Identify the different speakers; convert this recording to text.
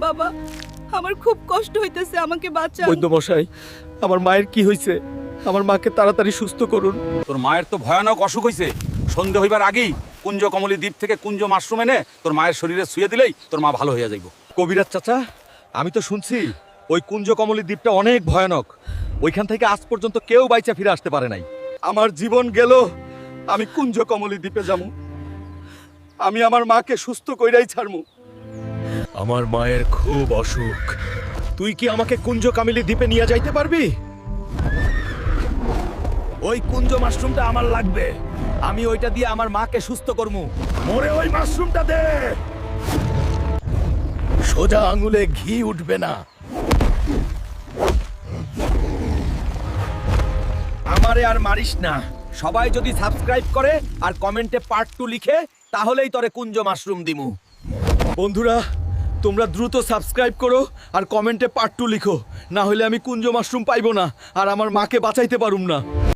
Speaker 1: বাবা, আমার খুব কষ্ট হইতেছে, আমাকে বাঁচান।
Speaker 2: বৈদ্য মশাই, আমার মায়ের কি হয়েছে? আমার মাকে তাড়াতাড়ি সুস্থ করুন।
Speaker 3: তোর মায়ের তো ভয়ানক অসুখ হয়েছে। সন্ধে হইবার আগেই কুঞ্জ কমলী দ্বীপ থেকে কুঞ্জ মাশরুম এনে তোর মায়ের শরীরে শুয়ে দিলেই তোর মা ভালো হইয়া যাইব।
Speaker 2: কবিরাজ চাচা, আমি তো শুনছি ওই কুঞ্জ কমলী দ্বীপটা অনেক ভয়ানক। ওইখান থেকে আজ পর্যন্ত কেউ বাইচা ফিরে আসতে পারে নাই। আমার জীবন গেল, আমি কুঞ্জ কমলী দ্বীপে যাবো। আমি আমার মাকে সুস্থ কইরাই ছাড়মু। আমার মায়ের খুব অসুখ। তুই কি আমাকে কুঞ্জ কামিলি দ্বীপে নিয়ে যাইতে পারবি? ওই কুঞ্জ মাশরুমটা আমার লাগবে। আমি ওইটা দিয়ে আমার মাকে সুস্থ করমু। মোরে ওই মাশরুমটা দে। সোজা আঙুলে ঘি উঠবে না। আমারে আর মারিস না। সবাই যদি সাবস্ক্রাইব করে আর কমেন্টে পার্ট 2 লিখে, তাহলেই তোরে কুঞ্জ মাশরুম দিমু। বন্ধুরা, তোমরা দ্রুত সাবস্ক্রাইব করো আর কমেন্টে পার্ট 2 লিখো, না হলে আমি কুঞ্জ মাশরুম পাইবো না আর আমার মাকে বাঁচাইতে পারুম না।